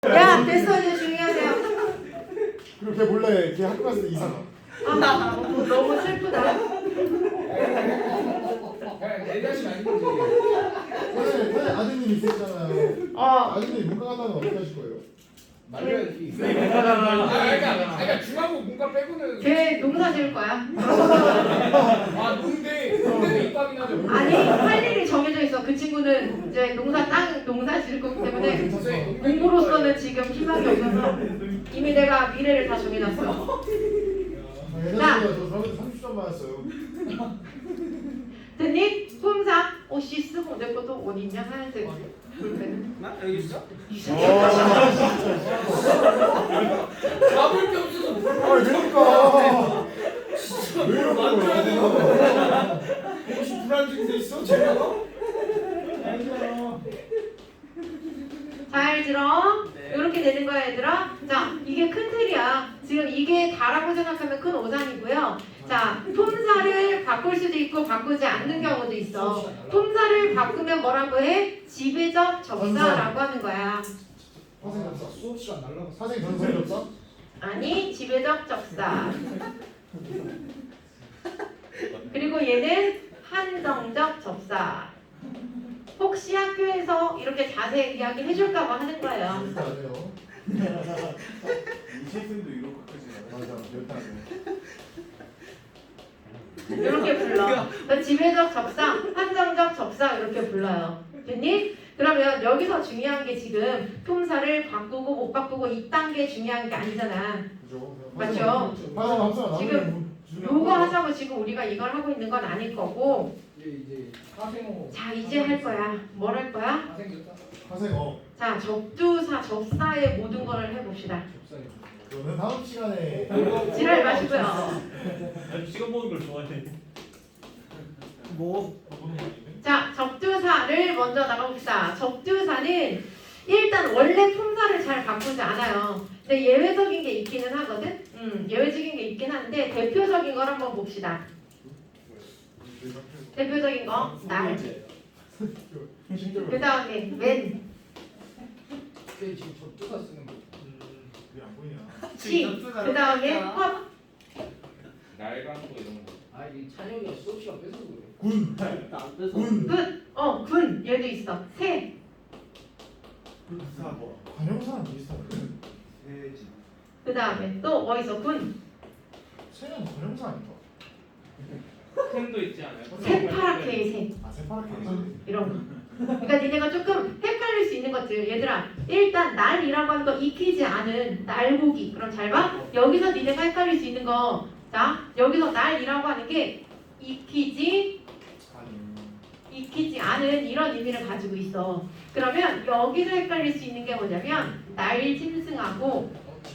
야 됐어 이제 조용히 하세요. 그리고 걔 몰래 걔 학교 갔을 때 이상하. 아 너무 슬프다. 내 자신 아닌 거지. 사실 아드님 있었잖아요. 아드님 문과 간다면 어떻게 하실 거예요? 말려야지. 그러니까 중앙고 문과 빼고는. 걔 농사 지을 거야. 농대는 입학이나 좀. 아니 할 일이 정해져 있어. 그 친구는 이제 농사 지을 거기 때문에 공부로서는 지금 희망이 없어서 이미 내가 미래를 다 정해놨어. 예전에 저 저한테 30점 맞았어요. 됐니? 품사 옷이 쓰고 내 것도 어디 있냐 하얀색 볼펜. 나 여기 있어? 잡을 게 없어서. 그러니까. 왜 만들어야 이러는 되는 거야? 혹시 불안증돼 있어? 제가? 잘 들어. 이렇게 되는 거야 얘들아. 자 이게 큰 틀이야. 지금 이게 다라고 생각하면 큰 오산이고요. 자 품사를 바꿀 수도 있고 바꾸지 않는 경우도 있어. 품사를 바꾸면 뭐라고 해? 지배적 접사라고 하는 거야. 수업 시간 날라갔어. 사생이 전설이 없어? 아니 지배적 접사. 그리고 얘는 한정적 접사. 혹시 학교에서 이렇게 자세히 이야기 해줄까봐 하는 거예요. 절대 안 해요. 이시생도 이렇게까지 맞아, 절대 안 해. 이렇게 불러. 그러니까 지배적 접사, 한정적 접사 이렇게 불러요. 됐니? 그러면 여기서 중요한 게 지금 품사를 바꾸고 못 바꾸고 이딴 게 중요한 게 아니잖아. 그죠? 맞죠? 지금 요거 하자고 지금 우리가 이걸 하고 있는 건 아닐 거고. 이제 사생호. 자 이제 할 거야. 뭘 할 거야? 사생겼다. 사생어. 자 접두사, 접사의 모든 거를 해봅시다. 접사요. 그거는 다음 시간에. 지랄 마시고요. 시간 먹는 걸 좋아해. 뭐? 자 접두사를 먼저 나가봅시다. 접두사는 일단 원래 품사를 잘 바꾸지 않아요. 근데 예외적인 게 있기는 하거든. 예외적인 게 있긴 한데 대표적인 걸 한번 봅시다. 대표적인 거 날. 그 다음에 웬, 걔 지금 접두사 쓰는 거. 그게 안 보이냐? 시. 그 다음에 헛, 날강도 이런 거. 이 찬영이가 수업 시간 뺏어서 그래. 군. 안 뺏어. 군. 군. 군. 얘도 있어. 새. 사고. 관형사는 비슷하네. 세지. 그 다음에 또 뭐 있어? 군. 새는 관형사 아닌가? 샘도 있지 않아요? 새파랗게 새. 아, 새파랗게. 이런 거. 그러니까 니네가 조금 헷갈릴 수 있는 것들. 얘들아 일단 날이라고 하는 거 익히지 않은 날고기. 그럼 잘 봐. 여기서 니네가 헷갈릴 수 있는 거. 자 여기서 날이라고 하는 게 익히지 않은 이런 의미를 가지고 있어. 그러면 여기서 헷갈릴 수 있는 게 뭐냐면 날 짐승하고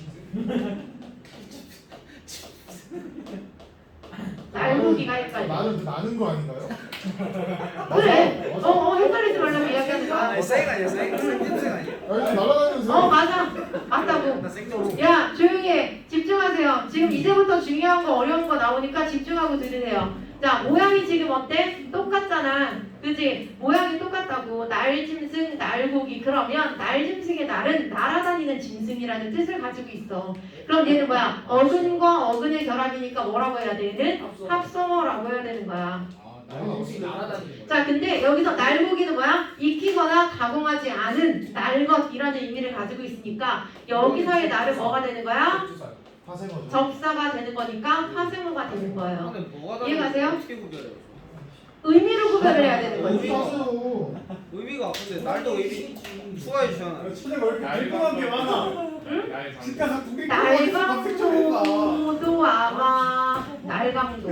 날고기가 헷갈려. 나는 그 나는 거 아닌가요? 그래. 헷갈리지 말라고 이야기하는 거야. 생 아니야 생? 생김생 아니야? 아니 날아다니면서. 맞아. 맞다고. 나 생적으로. 야 조용히 해. 집중하세요. 지금 이제부터 중요한 거 어려운 거 나오니까 집중하고 들으세요. 자 모양이 지금 어때? 똑같잖아. 그지? 모양이 똑같다고. 날짐승, 날고기. 그러면 날짐승의 날은 날아다니는 짐승이라는 뜻을 가지고 있어. 그럼 얘는 뭐야? 어근과 어근의 결합이니까 뭐라고 해야 돼? 얘는 합성어라고 해야 되는 거야. 날짐승이 날아다니는 거. 자 근데 여기서 날고기는 뭐야? 익히거나 가공하지 않은 날것이라는 의미를 가지고 있으니까 여기서의 날은 뭐가 되는 거야? 접두사요. 화생어죠. 접사가 되는 거니까 화생어가 되는 거예요. 근데 뭐가 이해가세요? 어떻게 구별해요? 의미로 구별을 해야 되는 거지. 하세요. 의미가 근데 날도 의미 추가해 주잖아. 천혜가 왜 이렇게 궁금한 게 많아? 응? 진짜 나 두개 날강도도 아마 날강도.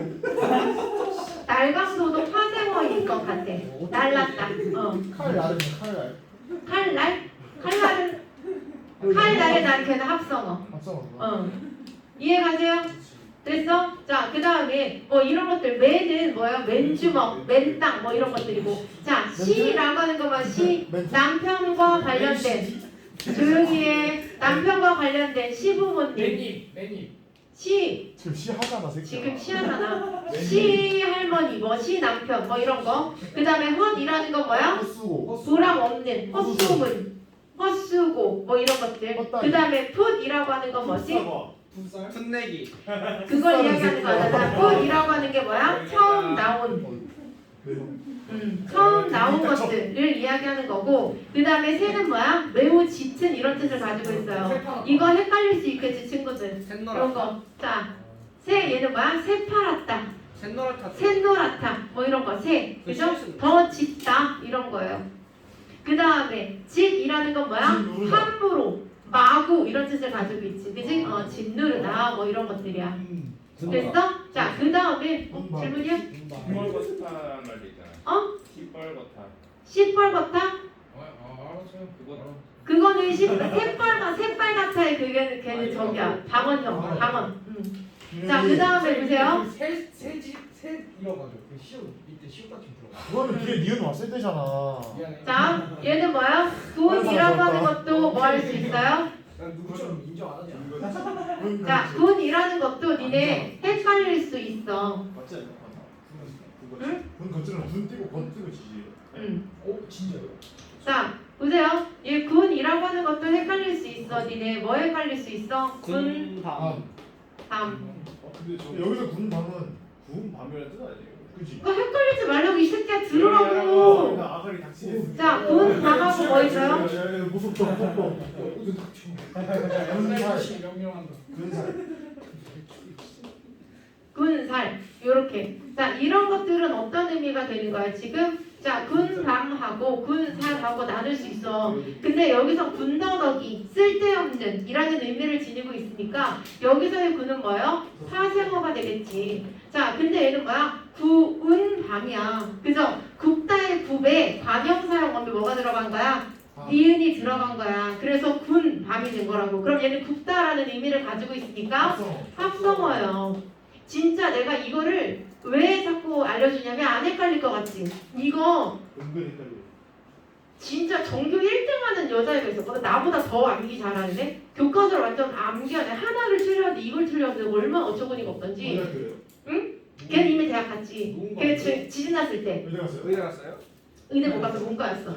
날강도도 화생어일 것 같아. 날랐다. 칼 날은 칼날. 칼날? 칼날은 칼날의 날 걔는 합성어. 합성어. 이해가세요? 됐어? 자, 그 다음에 뭐 이런 것들 맨은 뭐야? 맨주먹, 맨땅 뭐 이런 것들이고 자, 시라고 하는 것만 시 남편과 관련된 조용히 해. 남편과 관련된 시부모님 매님. 시 지금 시하잖아 새끼야. 지금 시하잖아. 시 할머니 뭐 시 남편 뭐 이런 거. 그 다음에 헛이라는 건 뭐야? 쓰고. 보람 없는 헛소문. 헛수고 뭐 이런 것들. 헛다리. 그 다음에 put이라고 하는 건 뭐지? 분쌀? 풋내기. 그걸 이야기하는 거잖아. put이라고 하는 게 뭐야? 처음 나온 처음 나온 것들을 이야기하는 거고, 그 다음에 새는 뭐야? 매우 짙은 이런 뜻을 가지고 있어요. 이거 헷갈릴 수 있겠지 친구들. 이런 샛노랗다. 거. 자, 새 얘는 뭐야? 새파랗다, 샛노랗다. 샛노랗다, 뭐 이런 거. 새, 그죠? 더 짙다 이런 거예요. 그 다음에 짙이라는 건 뭐야? 함부로, 마구 이런 뜻을 가지고 있지, 그지? 짓누르다 뭐 이런 것들이야. 됐어? 자, 그 다음에 질문이야? 시뻘겋다라는 말도 있잖아요. 시뻘겋다. 시뻘겋다? 알았어요. 그거 그거는 새빨갛다의 걔는 저기야, 방언형, 방언. 자, 그 다음에 보세요. 새 이어가지고 그 시옷 밑에 시옷 같은 거 들어가. 그거는 뒤에 니은 왔을 때잖아. 미안해. 자, 얘는 뭐야? 군이라고 하는 것도 뭐 할 수 있어요? 난 누구처럼 인정 안 하지 않아. 자, 군이라는 것도 니네 헷갈릴 수 있어. 맞지 않냐? 응? 군 거칠은 군 띄고 건 띄고 지지. 진짜요? 자, 보세요. 얘 군이라고 하는 것도 헷갈릴 수 있어. 니네 뭐 헷갈릴 수 있어? 군, 군밤. 밤. 근데 저 여기서 군 밤은 구운 밤이라는 뜻 아니에요? 그지? 그거 헷갈리지 말라고 이 새끼야, 들으라고. 아가리 닥치겠어. 자, 군, 밤하고 뭐 있어요? 무섭다 무섭다. 군살 명령한다. 군살. 군살 요렇게. 자, 이런 것들은 어떤 의미가 되는 거야 지금? 자, 군밤하고 군살하고 나눌 수 있어. 근데 여기서 군더더기, 쓸데없는 이라는 의미를 지니고 있으니까 여기서의 군은 뭐예요? 사생어가 되겠지. 자, 근데 얘는 뭐야? 구운밤이야, 그죠? 굽다의 굽에 관형사용어미 뭐가 들어간 거야? 니은이 들어간 거야. 그래서 군밤이 된 거라고. 그럼 얘는 굽다라는 의미를 가지고 있으니까 합성어예요. 진짜 내가 이거를 왜 자꾸 알려주냐면 안 헷갈릴 것 같지? 이거 은근히 헷갈려. 진짜 전교 1등하는 여자애가 있었거든. 나보다 더 암기 잘하는데 교과서를 완전 암기하네. 하나를 틀렸는데 이걸 틀렸는데 얼마나 어처구니가 없던지. 어디 그래요? 걔는 이미 대학 갔지. 걔 지진 났을 때 어디 갔어요? 어디 갔어요? 의대 못 가서 문과였어.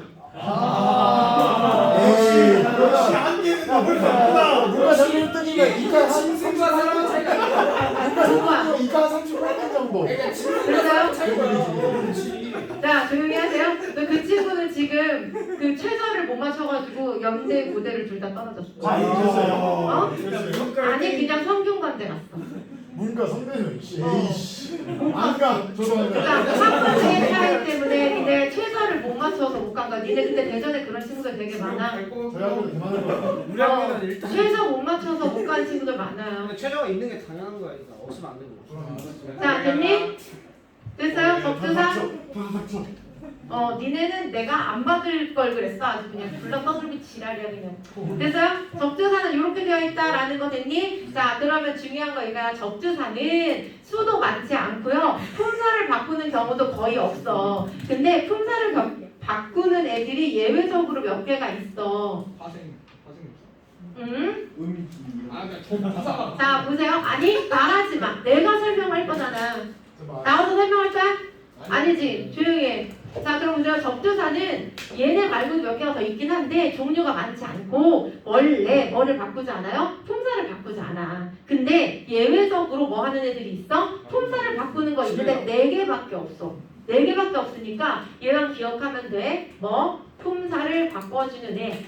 에이, 안 되는데 뭘 바꾸나? 누가 잘못했더니면 이가 친구가 사람은 차이가 문과. 이가 38점 정도. 그래서요? 그렇지. 자, 조용히 하세요. 그 친구는 지금 그 최저를 못 맞춰가지고 연대 고대를 둘 다 떨어졌어. 됐어요. 됐어요? 아니 그냥 성균관대 갔어. 문과 성대는 에이씨. 안 가. 저도 안 그러니까 가. 학번의 차이 때문에 니네 최저를 못 맞춰서 못 간 거야. 니네 근데 대전에 그런 친구들 되게 많아. 저희 학교도 그만할 거야. 우리 학교는 일단. 최저 못 맞춰서 못 간 친구들 많아요. 근데 최저가 있는 게 당연한 거야. 이거 없으면 안 되고. 자, 됐니? 됐어요? 접두사? 닥쳐. 니네는 내가 안 받을 걸 그랬어. 아주 그냥 불러 떠들고 지랄이야 그냥. 됐어요? 접두사는 이렇게 되어 있다라는 거 됐니? 자, 그러면 중요한 거 이거야. 접두사는 수도 많지 않고요. 품사를 바꾸는 경우도 거의 없어. 근데 품사를 바꾸는 애들이 예외적으로 몇 개가 있어. 파생. 응? 그러니까 저 부사가. 자, 보세요. 아니, 말하지 마. 내가 설명할 거잖아. 나와서 설명할 거야? 아니지. 조용히 해. 자, 그럼 보세요. 접두사는 얘네 말고도 몇 개가 더 있긴 한데 종류가 많지 않고 원래 뭐를 바꾸지 않아요? 품사를 바꾸지 않아. 근데 예외적으로 뭐 하는 애들이 있어? 품사를 바꾸는 거 있는데 4개밖에 없어. 4개밖에 없으니까 얘만 기억하면 돼. 뭐? 품사를 바꿔주는 애.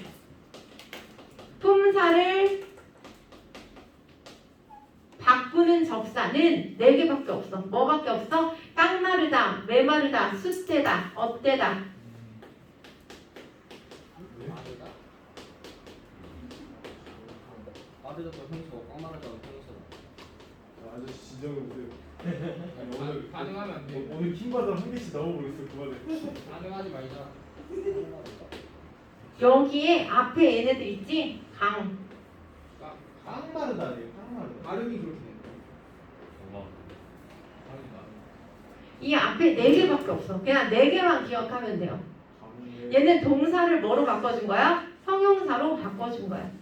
품사를 바꾸는 접사는 4개밖에 없어. 뭐밖에 없어? 깡마르다, 메마르다, 숫대다, 어때다. 아들도 형수고 꽝마르다고 형수다. 아저씨 진정해 보세요. 오늘 반응하면 안 돼. 오늘 킹받아 한 개씩 넣어버렸어. 그만해. 반응하지 말자. 여기에 앞에 얘네들 있지? 강. 깡마르다 아니에요? 깡마르다. 발음이 그렇게 돼. 이 앞에 4개밖에 없어. 그냥 4개만 기억하면 돼요. 얘는 동사를 뭐로 바꿔준 거야? 형용사로 바꿔준 거야.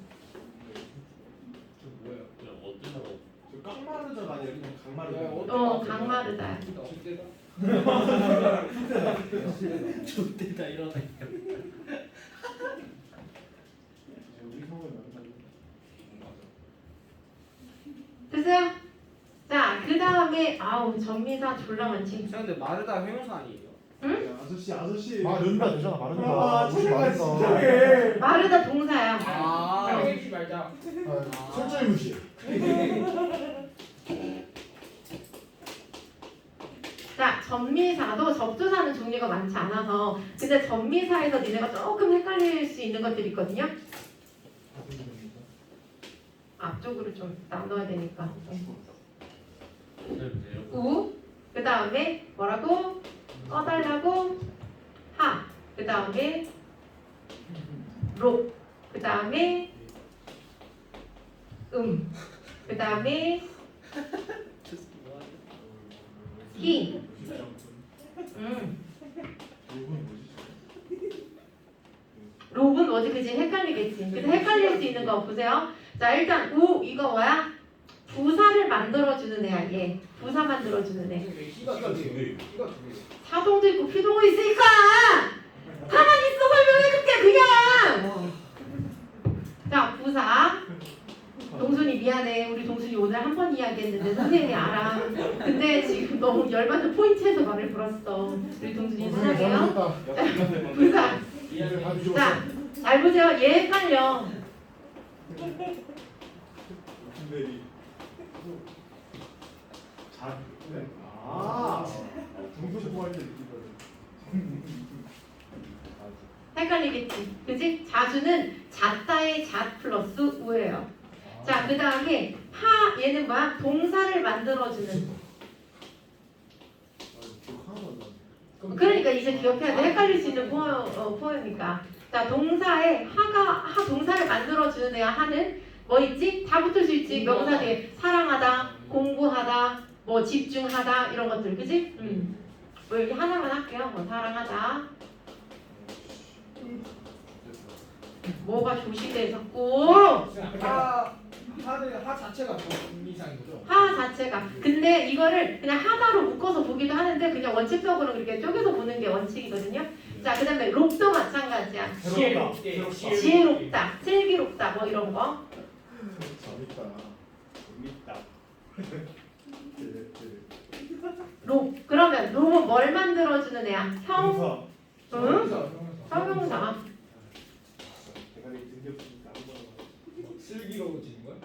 저 뭐예요? 저 깡마르다가 아니라 그냥 강마르다. 강마르다. 어때다? 좋대다 이러다. 됐어요? 자, 그 다음에 아우 전미사 졸라 많지. 근데 마르다 회용사 아니에요? 아저씨. 마른다 되잖아 마른다. 아, 옷이 제가 마른다. 진짜해. 마르다 동사야. 아, 해주지 말자. 아, 철저히 무시. 자, 전미사도 접두사는 종류가 많지 않아서 근데 전미사에서 니네가 조금 헷갈릴 수 있는 것들이 있거든요. 앞쪽으로 좀 나눠야 되니까. 우, 그 다음에 뭐라고? 꺼달라고? 하, 그 다음에 록, 그 다음에 그 다음에 히. 록은 뭐지? 그치? 헷갈리겠지. 그래서 헷갈릴 수 있는 거 보세요. 자, 일단 우 이거 뭐야? 부사를 만들어주는 애야. 얘 부사 만들어주는 애. 희가 두 개. 희가 두 개. 사동도 있고 피동도 있으니까 가만히 있어 설명해줄게 그냥. 자, 부사. 동순이 미안해. 우리 동순이 오늘 한 번 이야기했는데 선생님이 알아. 근데 지금 너무 열받는 포인트에서 말을 불었어. 우리 동순이 사랑해요. 부사. 자, 잘 보세요. 얘 헷갈려. 중소부할 때 헷갈리겠지. 그지? 자주는 잣다의 잣 플러스 우예요. 자, 그 다음에 하 얘는 뭐야? 동사를 만들어주는. 그러니까 이제 기억해야 돼. 헷갈릴 수 있는 포효니까. 자, 동사에 하 동사를 만들어주는 애야. 하는 뭐 있지? 다 붙을 수 있지. 명사 뒤에 사랑하다, 공부하다, 뭐 집중하다 이런 것들, 그지? 뭐 여기 하나만 할게요. 뭐 사랑하다. 뭐가 조시돼 자꾸. 하 자체가 더 이상인 거죠? 하 자체가. 근데 이거를 그냥 하나로 묶어서 보기도 하는데 그냥 원칙적으로 그렇게 쪼개서 보는 게 원칙이거든요. 자, 그 다음에 록도 마찬가지야. 지혜롭다, 슬기롭다 뭐 이런 거. 록. 그러면 록은 뭘 만들어주는 애야? 형? 응? 형용사. 슬기로워지는 거야?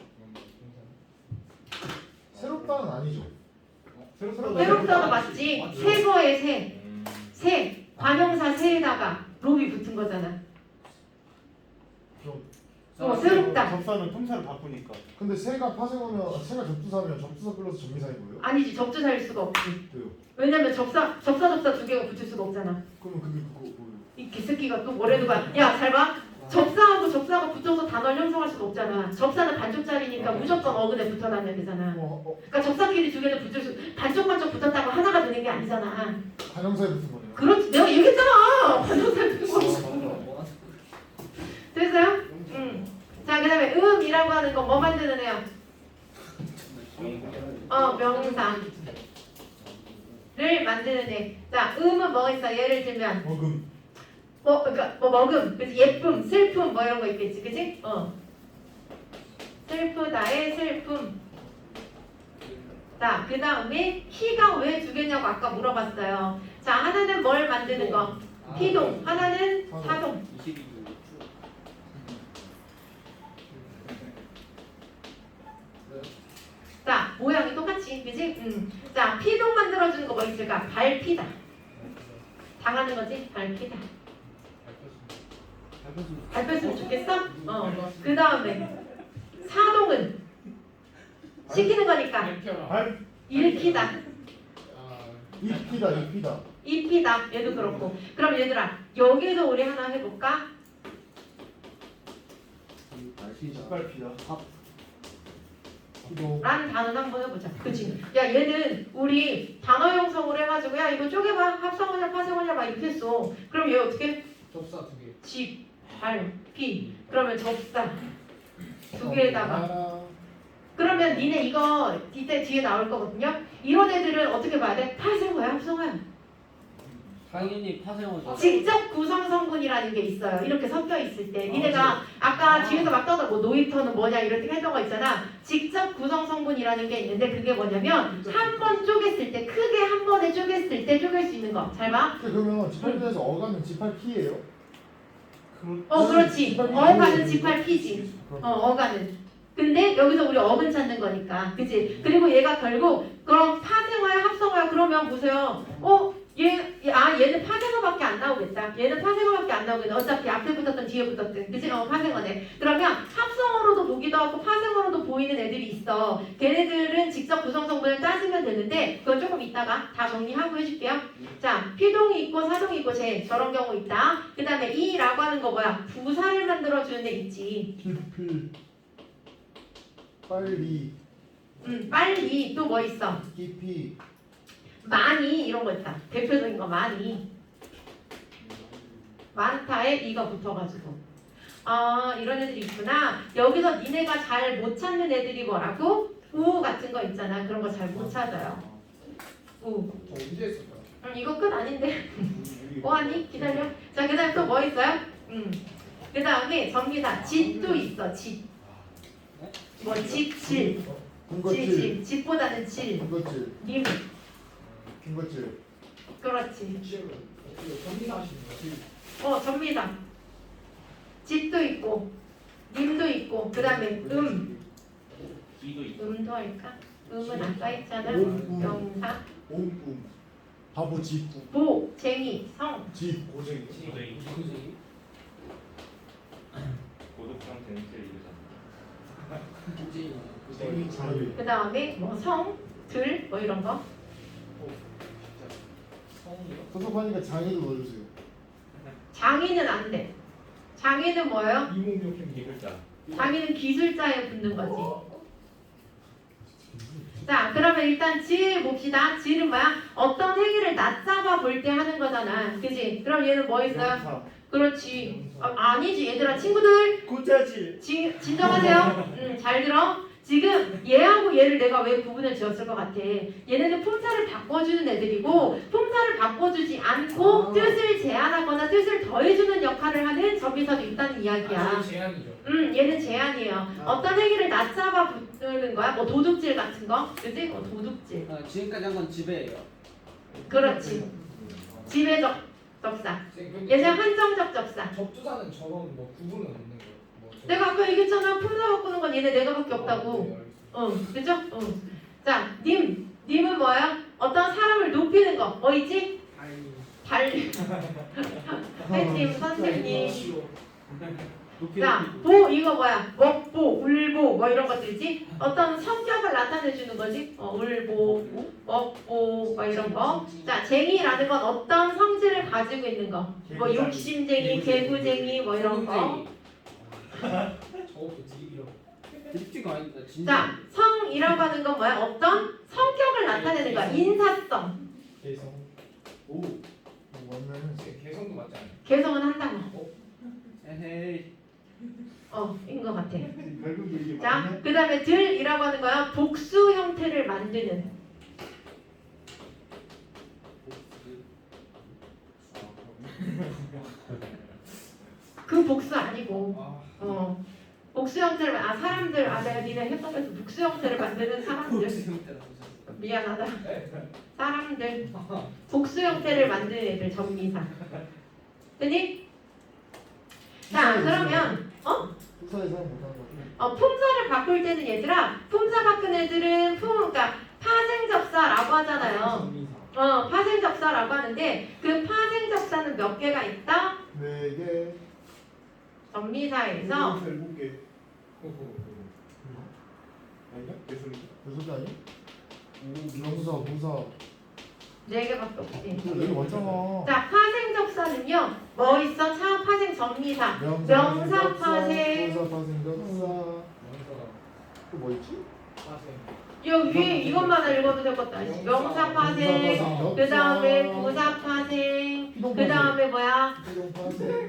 새롭다는 아니죠. 새롭다도 맞지. 새 거에 새. 새. 관형사 새에다가 록이 붙은 거잖아. 새롭다. 접사는 통사를 바꾸니까. 근데 새가 파생하면 새가 접두사면 접두사 플러스 전미사인 거예요? 아니지, 접두사일 수가 없지. 왜요? 왜냐면 접사 두 개가 붙을 수가 없잖아. 그러면 그게 그거 뭐예요? 이 개새끼가 또 뭐래도 가. 야, 잘 봐. 접사하고 접사가 붙어서 단어를 형성할 수가 없잖아. 접사는 반쪽짜리니까 무조건 어근에 붙어 다녀야 되잖아. 그러니까 접사끼리 두 개는 붙을 수, 반쪽 붙었다고 하나가 되는 게 아니잖아. 관형사에 붙은 거네요. 그렇지, 내가 얘기했잖아. 반쪽짜리 붙은 거. 됐어요? 응. 자, 그 다음에 음이라고 하는 건 뭐 만드는 애야? 명사를 만드는 애. 자, 음은 뭐가 있어? 예를 들면 먹음. 그러니까 먹음, 그치? 예쁨, 슬픔 뭐 이런 거 있겠지, 그치? 슬프다의 슬픔. 자, 그 다음에 희가 왜 두 개냐고 아까 물어봤어요. 자, 하나는 뭘 만드는 거? 피동, 하나는 사동. 자, 모양이 똑같이, 그치? 자, 피동 만들어주는 거 뭐 있을까? 밟히다. 당하는 거지? 밟히다. 밟혔으면 좋겠어? 그 다음에 사동은 시키는 거니까 일으키다. 입히다. 입히다. 얘도 그렇고. 그럼 얘들아, 여기서 우리 하나 해볼까? 짓밟히다. 라는 단어를 한번 해보자. 그치? 야, 얘는 우리 단어 형성을 해가지고 야, 이거 쪼개봐. 합성어냐 파생어냐 막 이렇게 했어. 그럼 얘 어떻게? 접사 두 개. 집, 발, 피. 그러면 접사 두 개에다가. 그러면 니네 이거 이때 뒤에 나올 거거든요. 이런 애들은 어떻게 봐야 돼? 파생어야, 합성어야? 당연히 파생어죠. 직접 구성 성분이라는 게 있어요. 이렇게 섞여 있을 때 니네가 아까 뒤에서 막 떠들 뭐 노이터는 뭐냐 이렇게 했던 거 있잖아. 직접 구성 성분이라는 게 있는데 그게 뭐냐면 한 번 쪼갰을 때 크게 한 번에 쪼갰을 때 쪼갤 수 있는 거. 잘 봐. 그러면 지팔피에서 어가는 지팔피예요? 그렇지. 어가는 G8P지. 어가는. 근데 여기서 우리 어근 찾는 거니까. 그치? 그리고 얘가 결국 그럼 파생어야 합성어야 그러면 보세요. 얘는 파생어밖에 안 나오겠다. 얘는 파생어밖에 안 나오겠다. 어차피 앞에 붙었든 뒤에 붙었든. 그치? 파생어네. 그러면 합성어로도 보기도 하고 파생어로도 보이는 애들이 있어. 걔네들은 직접 구성 성분을 따지면 되는데 그건 조금 이따가 다 정리하고 해줄게요. 자, 피동이 있고 사동이 있고 저런 경우 있다. 그 다음에 이라고 하는 거 뭐야? 부사를 만들어주는 애 있지. 깊이 빨리 빨리 또 뭐 있어? 깊이 많이 이런 거 있다. 대표적인 거 많이. 많다에 이가 붙어가지고 이런 애들이 있구나. 여기서 니네가 잘 못 찾는 애들이 뭐라고? 우 같은 거 있잖아. 그런 거 잘 못 찾아요. 우. 저 언제 했을까요? 이거 끝 아닌데? 뭐하니? 기다려. 자, 그 다음에 또 뭐 있어요? 그 다음에 전기사 짓도 있어. 짓. 뭐 짓, 질. 군것질 짓보다는 질. 군것질 님. 군것질 그렇지. 전기사 하시는 거예요? 전미사. 짓도 있고 님도 있고 그 다음에 음도 할까? 음은 아까 했잖아. 명사. 옴꿈 바보 짓구 보, 쟁이, 성. 짓 고생이. 고독 상태는 제일 이르잖아. 쟁이 자유 그 다음에 뭐 성, 들, 뭐 이런 거. 소속하니까 장애도 넣어주세요. 장인은 안 돼. 장인은 뭐예요? 이몽룡 이글자. 장인은 기술자에 붙는 거지. 자, 그러면 일단 질 봅시다. 질은 뭐야? 어떤 행위를 낮잡아 볼 때 하는 거잖아. 그지? 그럼 얘는 뭐 있어요? 그렇지. 아니지 얘들아 친구들 고자질. 진정하세요. 잘 들어. 지금 얘하고 얘를 내가 왜 구분을 지었을 것 같아. 얘네는 품사를 바꿔주는 애들이고 품사를 바꿔주지 않고 뜻을 제한하거나 뜻을 더해주는 역할을 하는 접비사도 있다는 이야기야. 제한이죠. 얘는 제한이에요. 어떤 행위를 낮잡아 붙는 거야? 뭐 도둑질 같은 거? 그지? 도둑질. 지금까지 한 건 지배예요. 그렇지. 지배적 접사. 쌤, 얘는 한정적 접사. 접두사는 저런 뭐 구분은 없는 거예요? 뭐 내가 아까 얘기했잖아. 품사 바꾸는 건 얘네 내가밖에 없다고. 그죠? 자, 님은 뭐야? 어떤 사람을 높이는 거. 뭐 있지? 달리. 팬님, 선생님. 자, 보 이거 뭐야? 먹보, 울보 뭐 이런 것들이지? 어떤 성격을 나타내 주는 거지? 울보, 먹보 뭐 이런 거. 자, 쟁이라는 건 어떤 성질을 가지고 있는 거. 뭐 욕심쟁이, 개구쟁이 뭐 이런 거. 저것도 드립이라고. 드립티가 아닙니다. 진짜. 자, 성이라고 하는 건 뭐야? 어떤 성격을 나타내는 거야. 인사성. 개성. 오 맞네. 쌤, 개성도 맞지 않아요? 개성은 한다고. 에헤이. 인 것 같아. 결국도 이게 자, 맞네. 그 다음에 들이라고 하는 거야. 복수 형태를 만드는. 그 복수 아니고. 복수 형태를 사람들 내가 니네 협동해서 복수 형태를 만드는 사람들. 미안하다. 사람들 복수 형태를 만드는 애들 정리사. 됐니? 자, 그러면 속사에 사람 못하는 거. 품사를 바꿀 때는 얘들아, 품사 바꾼 애들은 그러니까 파생접사라고 하잖아요. 파생접사라고 하는데 그 파생접사는 몇 개가 있다? 4개 전미사에서 7개. 아닌가? 내 소리. 여섯 개 아니? 명사 부사 4개밖에 없지. 여기 왔잖아. 자, 파생접사는요. 뭐 있어? 파생 전미사. 명사 파생. 부사 파생 명사 또 뭐 있지? 여기 위에 이것만 읽어도 될 것도 아니지. 명사 파생. 그 다음에 부사 파생. 그 다음에 뭐야? 피동 파생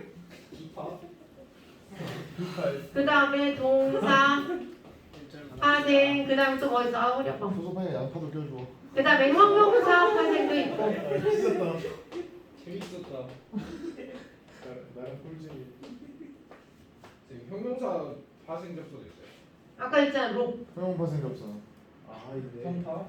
그 다음에 동사 파생. 그 다음에 또 뭐 있어? 어려워. 소속하니까 양파도 껴줘. 그 다음에 형용사 파생도 있고. 재밌었다. 나랑 꿀잼이. 지금 형용사 파생 접수도 있어요. 아까 있잖아 록. 형용파 생겼어. 아 있네. 형파?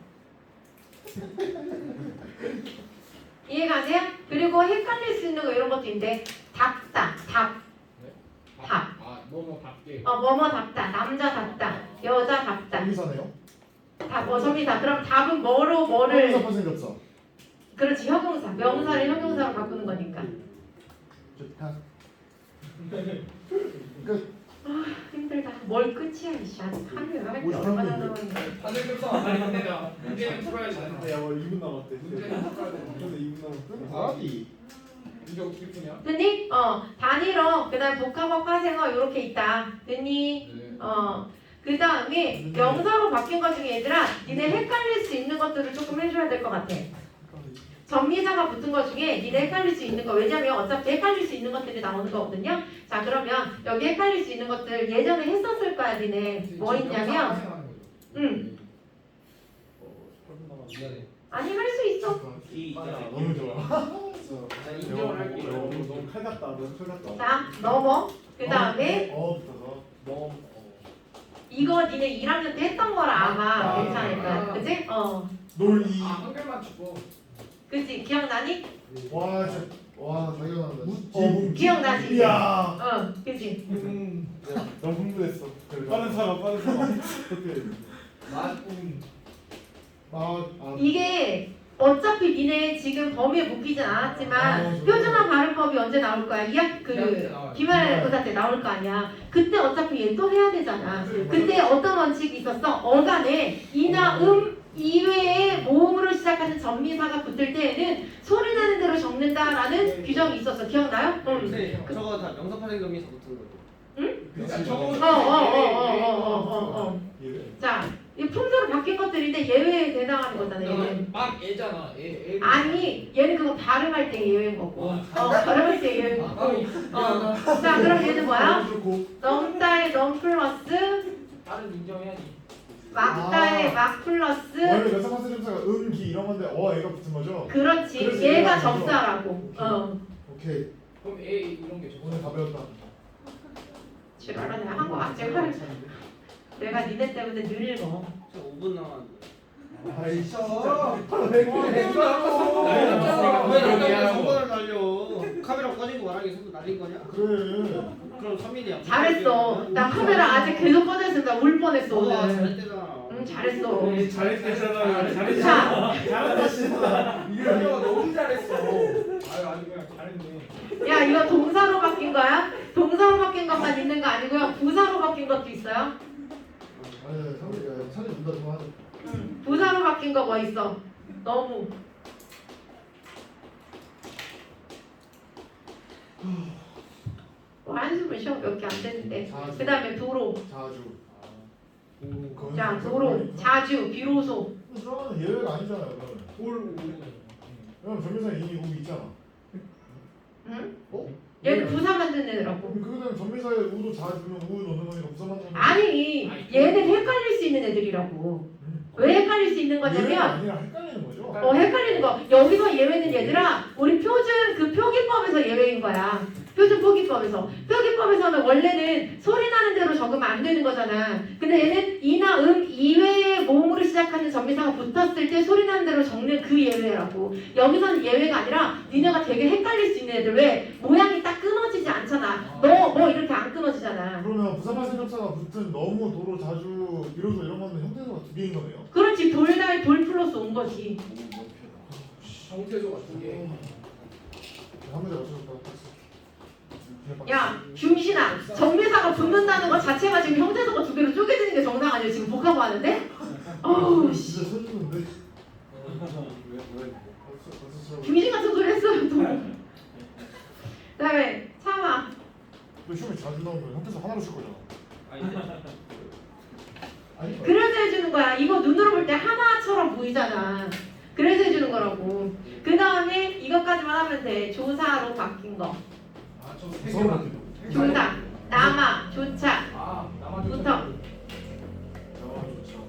이해가세요? 그리고 헷갈릴 수 있는 거 이런 것도 있는데 답다 답. 답. 아 너무 답게. 뭐뭐답다 남자답다 여자답다 정미사네요. 답. 정리다. 그럼 답은 뭐로 형용사파 생겼어. 그렇지 형용사 명사를 형용사로 바꾸는 거니까. 좋다. 끝. 힘들다. 뭘 끝이야 이씨. 아직 하루에 할게 53 얼마나 분인데. 남았는데. 파생 접수가 많이 힘내다. 문제는 풀어야지. 야, 2분 남았대. 문제는 풀어야 돼. 근데 2분 남았대? 아디. 이게 어떻게 푸냐? 듣니? 단위로 그다음 복합어 파생어 이렇게 있다. 듣니? 네. 그 다음에 명사로 바뀐 것 중에 얘들아 니네 헷갈릴 수 있는 것들을 조금 해줘야 될 것 같아. 전미사가 붙은 것 중에 니네 헷갈릴 수 있는 거 왜냐면 어차피 헷갈릴 수 있는 것들이 나오는 거거든요. 자 그러면 여기 헷갈릴 수 있는 것들 예전에 했었을 거야 니네. 뭐 있냐면 응. 8분 남았네. 미안해. 아니 할 수 있어. 너무 좋아. 나 인정을 할게. 너무 칼 같다. 너무 칼 같다. 자 넘어. 그 다음에 붙어서. 너무 이거 니네 1학년 때 했던 거라 아마 아. 괜찮을 거야. 그치? 놀이. 아 한글만 치고. 그치? 기억나니? 와 진짜. 와 자기가 난다. 기억나지? 이야. 그치? 너무 흥분했어. 빠른 사람, 빠른 사람. 어떻게? 맛. 이게 어차피 니네 지금 범위에 묶이진 않았지만 표준화 발음법이 언제 나올 거야? 기말고사 때 나올 거 아니야. 그때 어차피 얘 또 해야 되잖아. 그때 어떤 원칙이 있었어? 어간에 이나 이외에 모음으로 시작하는 전미사가 붙을 때에는 소리 나는 대로 적는다라는 규정이 있었어. 기억나요? 근데 저거 다 명사 파생 점에서 붙은 거죠. 그러니까 저거. 자, 이 품사로 바뀐 것들인데 예외에 해당하는 거잖아. 얘는. 막 애잖아. 애. 아니, 얘는 그거 발음할 때 예외인 거고. 발음할 때 예외인 거고. 자, 그럼 얘는 뭐야? 넘다의 넘 플러스 다른 인정해야지. 막다의 막 플러스 원래 몇사파세 점사가 기 이런 건데 얘가 붙은 거죠? 그렇지. 그래서 얘가 얘가 접사라고. 오케이. 그럼 애 이런 게 오늘 다 배웠다. 지랄아 내가 한거 맞지? 내가 니네 때문에 늘 읽어. 저 5분 남았는데. 아이 진짜. 왜 이렇게 선거를 날려? 카메라 꺼진 거 말하기 선거 날린 거냐? 그래. 그럼 3mm야. 잘했어. 나 카메라 아직 계속 꺼져 있으면 나 울 뻔했어 오늘. 잘했대잖아. 응 잘했어. 잘했잖아. 자, 이게 너무 잘했어. 아주 그냥 잘했네. 야 이거 동사로 바뀐 거야? 동사로 바뀐 것만 있는 거 아니고요. 부사로 바뀐 것도 있어요. 아니 차라리 문다 좀 하자. 부사로 바뀐 거 뭐 있어? 너무. 한숨을 쉬어 몇 개 안 되는데. 그 다음에 도로. 자주. 자 도로. 자주. 비로소. 그러면 예외가 아니잖아요. 그러면. 돌. 그럼 전미사에 이미 우이 있잖아. 응? 어? 얘는 부사 만든 애더라고. 그거는 전미사에 우도 자주면 우 넣는 거니까 부사 만드는 거. 아니 얘는 헷갈릴 수 있는 애들이라고. 왜 헷갈릴 수 있는 예외가 거냐면 아니라 헷갈리는 거죠. 헷갈리는 거. 여기서 예외는 얘들아 우리 표준 그 표기법에서 예외인 거야. 표준 표기법에서. 표기법에서는 원래는 소리 나는 대로 적으면 안 되는 거잖아. 근데 얘는 이나 이외의 모음으로 시작하는 전미사가 붙었을 때 소리 나는 대로 적는 그 예외라고. 여기서는 예외가 아니라 니네가 되게 헷갈릴 수 있는 애들. 왜? 모양이 딱 끊어지지 않잖아. 너 이렇게 안 끊어지잖아. 그러면 부사파생 접사가 붙은 너무 도로 자주 비로소 이런 거는 형태소가 두 개인 거네요. 그렇지. 돌다에 돌 플러스 온 거지. 정태조가 두 개. 한 문제 맞춰줬다. 야, 중신아, 정미사가 붙는다는 것 자체가 지금 형태소가 두 개로 쪼개지는 게 정상 아니야? 지금 복합 하는데? 어우, 씨. 진짜 서주는데. 중신 같은 소리 했어요, 또. 그 다음에, 참아. 너 시험에 자주 나오면 형태소 하나로 칠 거잖아. 아니. 그래서 해주는 거야. 이거 눈으로 볼 때 하나처럼 보이잖아. 그래서 해주는 거라고. 그 다음에 이것까지만 하면 돼. 조사로 바뀐 거. 아저 세 개만. 조사, 남아, 조차. 아 나만 부터. 아 좋죠.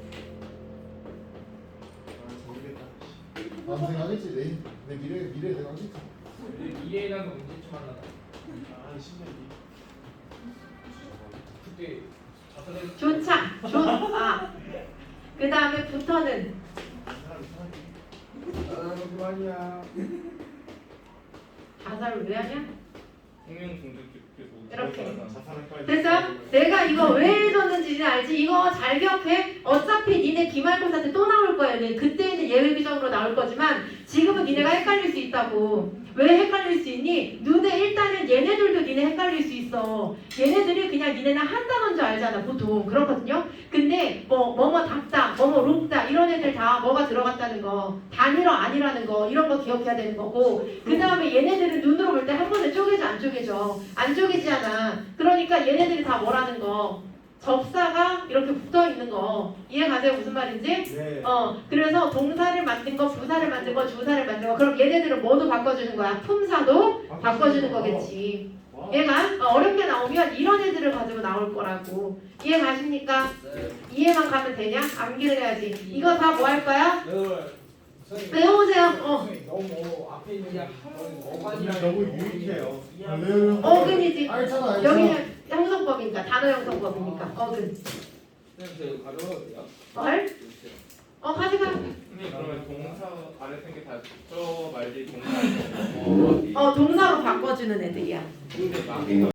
아 모르겠다. 난 생각하겠지. 내 미래 내가 하겠지. 미래라는 거 언제쯤 하려나? 아 신기해. 그때 자살했. 조차. 그 다음에 부터는 그만이야. 자살을 왜 하냐? 생명 중독 이렇게. 자살할 거야. 됐어? 내가 이거 왜 줬는지는 알지? 이거 잘 기억해. 어차피 니네 기말고사 때 또 나올 거야. 그때는 예외비정으로 나올 거지만 지금은 니네가 헷갈릴 수 있다고. 왜 헷갈릴 수 있니? 눈에 일단은 얘네들도 니네 헷갈릴 수 있어. 얘네들이 그냥 니네는 한 단어인 줄 알잖아. 보통 그렇거든요. 근데 뭐뭐 닥다, 뭐뭐 록다 이런 애들 다 뭐가 들어갔다는 거, 단일어 아니라는 거 이런 거 기억해야 되는 거고. 그 다음에 얘네들은 눈으로 볼 때 한 번에 쪼개져 안 쪼개져? 안 쪼개지잖아. 그러니까 얘네들이 다 뭐라는 거. 접사가 이렇게 붙어 있는 거 이해 가세요? 무슨 말인지? 네. 그래서 동사를 만든 거, 부사를 만든 거, 주사를 만든 거. 그럼 얘네들은 뭐도 바꿔주는 거야? 품사도 바꿔주는 거겠지. 얘가 어렵게 나오면 이런 애들을 가지고 나올 거라고. 이해 가십니까? 이해만 가면 되냐? 암기를 해야지. 이거 다 뭐 할 거야? 외워보세요. 너무 앞에 있는 게 그냥 너무 유익해요. 어근이지. 알잖아. 여기는 형성법이니까 단어 형성법이니까 어근. 선생님 저 가져가도 돼요? 뭘? 가져가. 선생님 그러면 동사 아래 생게 다 저 말지 동사 동사로 바꿔주는 애들이야. 근데 막